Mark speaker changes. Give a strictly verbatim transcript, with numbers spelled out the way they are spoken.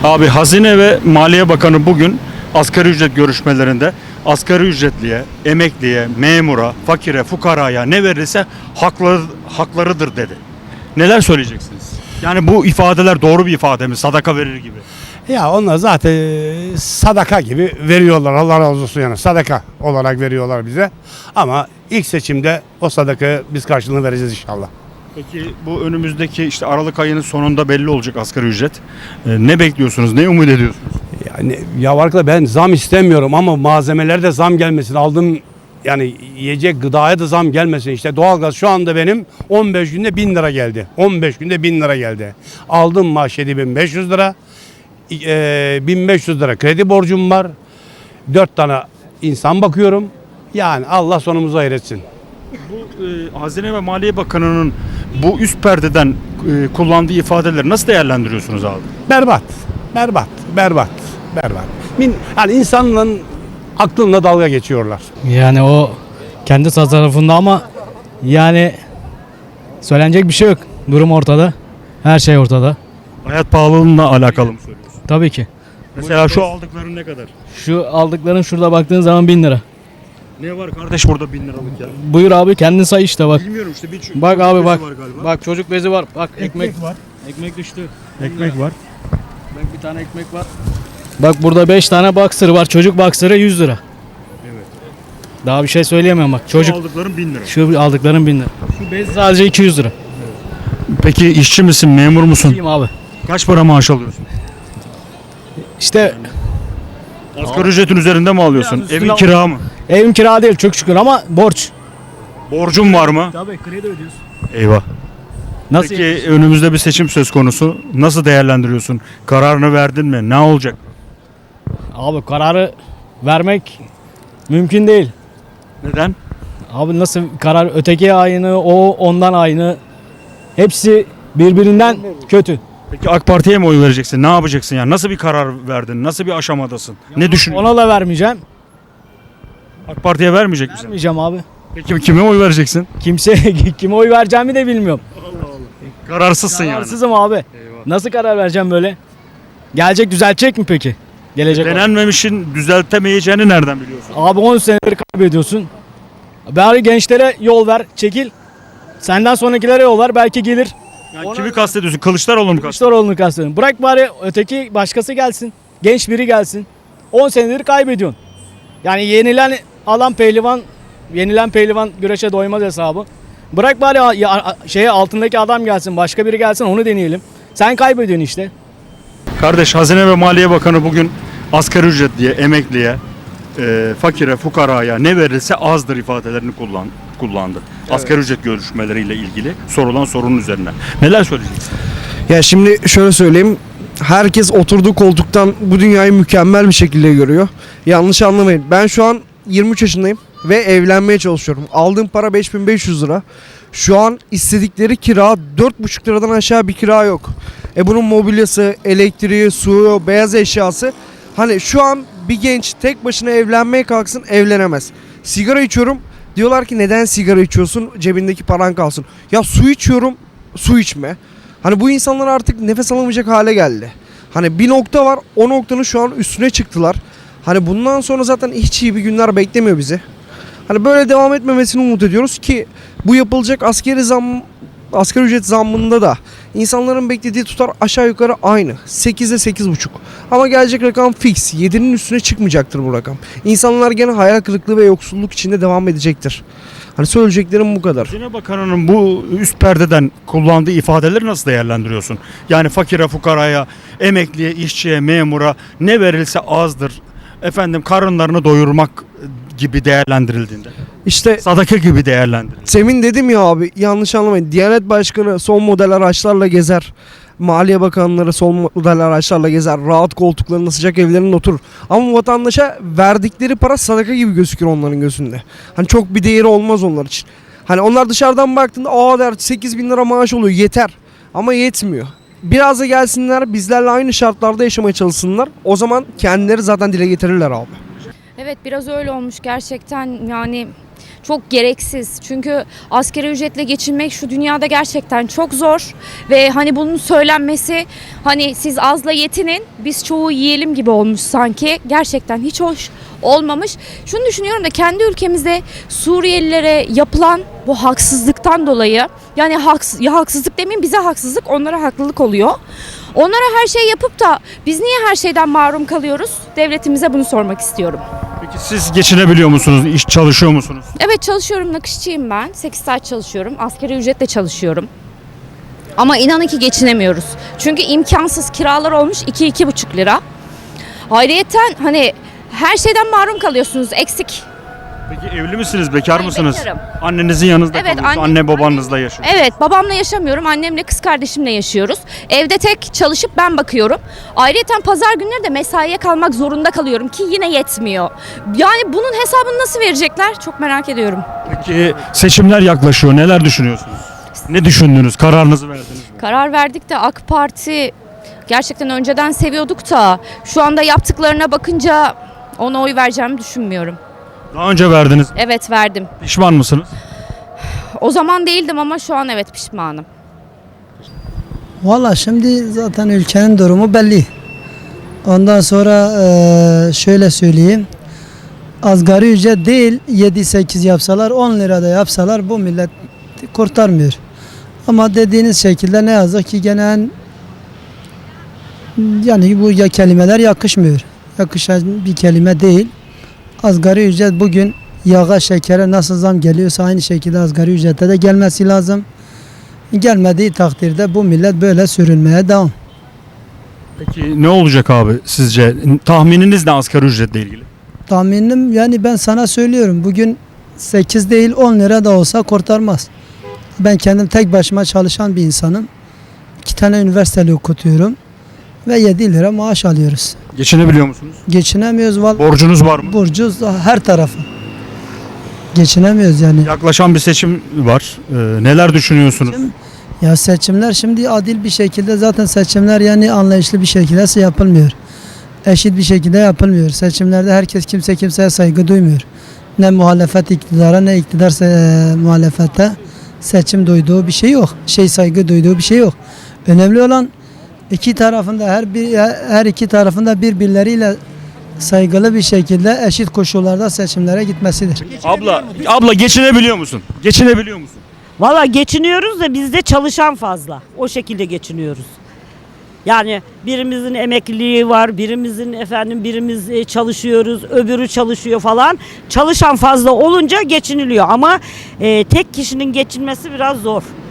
Speaker 1: Abi Hazine ve Maliye Bakanı bugün asgari ücret görüşmelerinde asgari ücretliye, emekliye, memura, fakire, fukaraya ne verirse hakları, haklarıdır dedi. Neler söyleyeceksiniz? Yani bu ifadeler doğru bir ifade mi? Sadaka verir gibi.
Speaker 2: Ya onlar zaten e, sadaka gibi veriyorlar. Allah razı olsun yani. Sadaka olarak veriyorlar bize. Ama ilk seçimde o sadakayı biz karşılığını vereceğiz inşallah.
Speaker 1: Peki bu önümüzdeki işte Aralık ayının sonunda belli olacak asgari ücret. Ee, ne bekliyorsunuz? Ne umut ediyorsunuz?
Speaker 2: Yani ya arkadaş ben zam istemiyorum ama malzemelerde zam gelmesin. Aldığım yani yiyecek gıdaya da zam gelmesin. İşte doğalgaz şu anda benim on beş günde bin lira geldi. on beş günde bin lira geldi. Aldığım maaş yedi bin beş yüz lira. E, bin beş yüz lira kredi borcum var. dört tane insan bakıyorum. Yani Allah sonumuzu hayretsin.
Speaker 1: Bu e, Hazine ve Maliye Bakanı'nın bu üst perdeden e, kullandığı ifadeleri nasıl değerlendiriyorsunuz abi?
Speaker 2: Berbat. Berbat. Berbat. Berbat. Min, yani insanların aklınla dalga geçiyorlar.
Speaker 3: Yani o kendi tasarrufunda ama yani söylenecek bir şey yok. Durum ortada. Her şey ortada.
Speaker 1: Hayat pahalılığıyla alakalı mı söylüyorsun?
Speaker 3: Tabii ki.
Speaker 1: Mesela şu aldıkların ne kadar?
Speaker 3: Şu aldıkların şurada baktığın zaman bin lira.
Speaker 1: Ne var kardeş burada bin liralık ya?
Speaker 3: Buyur abi kendin say işte bak.
Speaker 1: Bilmiyorum işte bir çocuk
Speaker 3: Bak abi
Speaker 1: bezi
Speaker 3: bak.
Speaker 1: var galiba.
Speaker 3: Bak çocuk bezi var. Bak ekmek.
Speaker 2: var.
Speaker 3: Ekmek düştü.
Speaker 1: Ekmek var.
Speaker 3: Bak bir tane ekmek var. Bak burada beş tane boxer var. Çocuk boxer'ı yüz lira.
Speaker 1: Evet.
Speaker 3: Daha bir şey söyleyemem bak. Çocuk
Speaker 1: Şu aldıkların bin lira.
Speaker 3: şu aldıkların bin lira. Şu bez sadece iki yüz lira.
Speaker 1: Peki işçi misin, memur musun?
Speaker 3: Diyeyim abi.
Speaker 1: Kaç para maaş alıyorsun?
Speaker 3: İşte
Speaker 1: Asgari ücretin üzerinde mi alıyorsun?
Speaker 3: Biraz üstüne
Speaker 1: Evin
Speaker 3: al-
Speaker 1: kira mı?
Speaker 3: evim kira değil çok şükür ama borç.
Speaker 1: Borcun var mı?
Speaker 3: Tabii kredi ödüyorsun.
Speaker 1: Eyvah.
Speaker 3: Nasıl?
Speaker 1: Peki önümüzde bir seçim söz konusu. Nasıl değerlendiriyorsun? Kararını verdin mi? Ne olacak?
Speaker 3: Abi kararı vermek mümkün değil.
Speaker 1: Neden?
Speaker 3: Abi nasıl karar öteki aynı o ondan aynı. Hepsi birbirinden kötü.
Speaker 1: Peki AK Parti'ye mi oy vereceksin? Ne yapacaksın yani? Nasıl bir karar verdin? Nasıl bir aşamadasın? Ne düşünüyorsun?
Speaker 3: Ona da vermeyeceğim.
Speaker 1: AK Parti'ye vermeyecek misin?
Speaker 3: Vermeyeceğim abi.
Speaker 1: Peki kime oy vereceksin?
Speaker 3: Kimse kime oy vereceğimi de bilmiyorum.
Speaker 1: Kararsızsın yani.
Speaker 3: Kararsızım abi. Nasıl karar vereceğim böyle? Gelecek düzeltecek mi peki? Gelecek olan.
Speaker 1: Denenmemişin düzeltemeyeceğini nereden biliyorsun?
Speaker 3: Abi on senedir kaybediyorsun. Bari gençlere yol ver, çekil. Senden sonrakilere yol ver, belki gelir.
Speaker 1: Yani
Speaker 3: Ona-
Speaker 1: kimi kastediyorsun? Kılıçdaroğlu mu kastediyorsun?
Speaker 3: Kılıçdaroğlu'nu kastediyorum. Bırak bari öteki başkası gelsin. Genç biri gelsin. on senedir kaybediyorsun. Yani yenilen alan pehlivan, yenilen pehlivan güreşe doymaz hesabı. Bırak bari a- ya- a- şeye altındaki adam gelsin, başka biri gelsin onu deneyelim. Sen kaybediyorsun işte.
Speaker 1: Kardeş Hazine ve Maliye Bakanı bugün asgari ücretliye, emekliye, e, fakire, fukaraya ne verilse azdır ifadelerini kullan, kullandı. Asgari ücret görüşmeleriyle ilgili sorulan sorunun üzerine. Neler söyleyeceksin?
Speaker 4: Ya şimdi şöyle söyleyeyim. Herkes oturduğu koltuktan bu dünyayı mükemmel bir şekilde görüyor. Yanlış anlamayın. Ben şu an yirmi üç yaşındayım ve evlenmeye çalışıyorum. Aldığım para beş bin beş yüz lira. Şu an istedikleri kira dört buçuk liradan aşağı bir kira yok. E bunun mobilyası, elektriği, suyu, beyaz eşyası. Hani şu an bir genç tek başına evlenmeye kalksın evlenemez. Sigara içiyorum. Diyorlar ki neden sigara içiyorsun? Cebindeki paran kalsın. Ya su içiyorum. Su içme. Hani bu insanlar artık nefes alamayacak hale geldi. Hani bir nokta var, o noktanın şu an üstüne çıktılar. Hani bundan sonra zaten hiç iyi bir günler beklemiyor bizi. Hani böyle devam etmemesini umut ediyoruz ki bu yapılacak askeri zam, asgari ücret zammında da insanların beklediği tutar aşağı yukarı aynı. sekize sekiz buçuk. Ama gelecek rakam fix. yedinin üstüne çıkmayacaktır bu rakam. İnsanlar gene hayal kırıklığı ve yoksulluk içinde devam edecektir. Hani söyleyeceklerim bu kadar.
Speaker 1: Hazine Bakanı'nın bu üst perdeden kullandığı ifadeleri nasıl değerlendiriyorsun? Yani fakire, fukaraya, emekliye, işçiye, memura ne verilse azdır. Efendim karınlarını doyurmak gibi değerlendirildiğinde.
Speaker 4: İşte
Speaker 1: Sadaka gibi değerlendirildiğinde.
Speaker 4: Semin dedim ya abi, yanlış anlamayın. Diyanet Başkanı son model araçlarla gezer. Maliye Bakanları son model araçlarla gezer. Rahat koltuklarında, sıcak evlerinde oturur. Ama vatandaşa verdikleri para sadaka gibi gözükür onların gözünde. Hani çok bir değeri olmaz onlar için. Hani onlar dışarıdan baktığında aa der sekiz bin lira maaş oluyor, yeter. Ama yetmiyor. Biraz da gelsinler bizlerle aynı şartlarda yaşamaya çalışsınlar. O zaman kendileri zaten dile getirirler abi.
Speaker 5: Evet biraz öyle olmuş gerçekten yani çok gereksiz. Çünkü asgari ücretle geçinmek şu dünyada gerçekten çok zor ve hani bunun söylenmesi hani siz azla yetinin biz çoğu yiyelim gibi olmuş sanki. Gerçekten hiç hoş olmamış. Şunu düşünüyorum da kendi ülkemizde Suriyelilere yapılan bu haksızlıktan dolayı yani haks ya haksızlık demeyeyim bize haksızlık onlara haklılık oluyor. Onlara her şey yapıp da biz niye her şeyden mahrum kalıyoruz? Devletimize bunu sormak istiyorum.
Speaker 1: Peki siz geçinebiliyor musunuz? İş çalışıyor musunuz?
Speaker 5: Evet çalışıyorum, nakışçıyım ben. sekiz saat çalışıyorum. Asgari ücretle çalışıyorum. Ama inanın ki geçinemiyoruz. Çünkü imkansız kiralar olmuş iki iki buçuk lira. Ayrıyeten hani her şeyden mahrum kalıyorsunuz. Eksik.
Speaker 1: Peki evli misiniz? Bekar
Speaker 5: Hayır,
Speaker 1: mısınız?
Speaker 5: bekarım.
Speaker 1: Annenizin yanınızda
Speaker 5: Evet,
Speaker 1: kalıyorsunuz.
Speaker 5: anne-
Speaker 1: Anne babanızla yaşıyor.
Speaker 5: Evet, babamla yaşamıyorum. Annemle kız kardeşimle yaşıyoruz. Evde tek çalışıp ben bakıyorum. Ayrıyeten pazar günleri de mesaiye kalmak zorunda kalıyorum ki yine yetmiyor. Yani bunun hesabını nasıl verecekler? Çok merak ediyorum.
Speaker 1: Peki seçimler yaklaşıyor. Neler düşünüyorsunuz? Ne düşündünüz? Kararınızı verdiniz mi?
Speaker 5: Karar verdik de AK Parti gerçekten önceden seviyorduk da şu anda yaptıklarına bakınca ona oy vereceğimi düşünmüyorum.
Speaker 1: Daha önce verdiniz.
Speaker 5: Evet verdim.
Speaker 1: Pişman mısınız?
Speaker 5: O zaman değildim ama şu an evet pişmanım.
Speaker 6: Valla şimdi zaten ülkenin durumu belli. Ondan sonra eee, şöyle söyleyeyim. Asgari ücret değil yedi sekiz yapsalar on lirada yapsalar bu millet kurtarmıyor. Ama dediğiniz şekilde ne yazık ki gene en- yani bu ya kelimeler yakışmıyor. Yakışan bir kelime değil. Asgari ücret bugün yağa şekere nasıl zam geliyorsa aynı şekilde asgari ücrete de gelmesi lazım. Gelmediği takdirde bu millet böyle sürünmeye devam.
Speaker 1: Peki ne olacak abi sizce? Tahmininiz ne asgari ücretle ilgili?
Speaker 6: Tahminim yani ben sana söylüyorum bugün sekiz değil on lira da olsa kurtarmaz. Ben kendim tek başıma çalışan bir insanım. İki tane üniversiteli okutuyorum ve yedi lira maaş alıyoruz.
Speaker 1: Geçinebiliyor musunuz?
Speaker 6: Geçinemiyoruz vallahi.
Speaker 1: Borcunuz var mı?
Speaker 6: Borcuz her tarafı. Geçinemiyoruz yani.
Speaker 1: Yaklaşan bir seçim var. Ee, neler düşünüyorsunuz?
Speaker 6: Ya seçimler şimdi adil bir şekilde zaten seçimler yani anlayışlı bir şekilde yapılmıyor. Eşit bir şekilde yapılmıyor. Seçimlerde herkes kimse kimseye saygı duymuyor. Ne muhalefet iktidara ne iktidar se- muhalefete seçim duyduğu bir şey yok. Şey saygı duyduğu bir şey yok. Önemli olan iki tarafında her bir her iki tarafında birbirleriyle saygılı bir şekilde eşit koşullarda seçimlere gitmesidir.
Speaker 1: Abla, abla geçinebiliyor musun? Geçinebiliyor musun?
Speaker 7: Valla geçiniyoruz da bizde çalışan fazla. O şekilde geçiniyoruz. Yani birimizin emekliliği var, birimizin efendim birimiz e, çalışıyoruz, öbürü çalışıyor falan. Çalışan fazla olunca geçiniliyor ama e, tek kişinin geçinmesi biraz zor.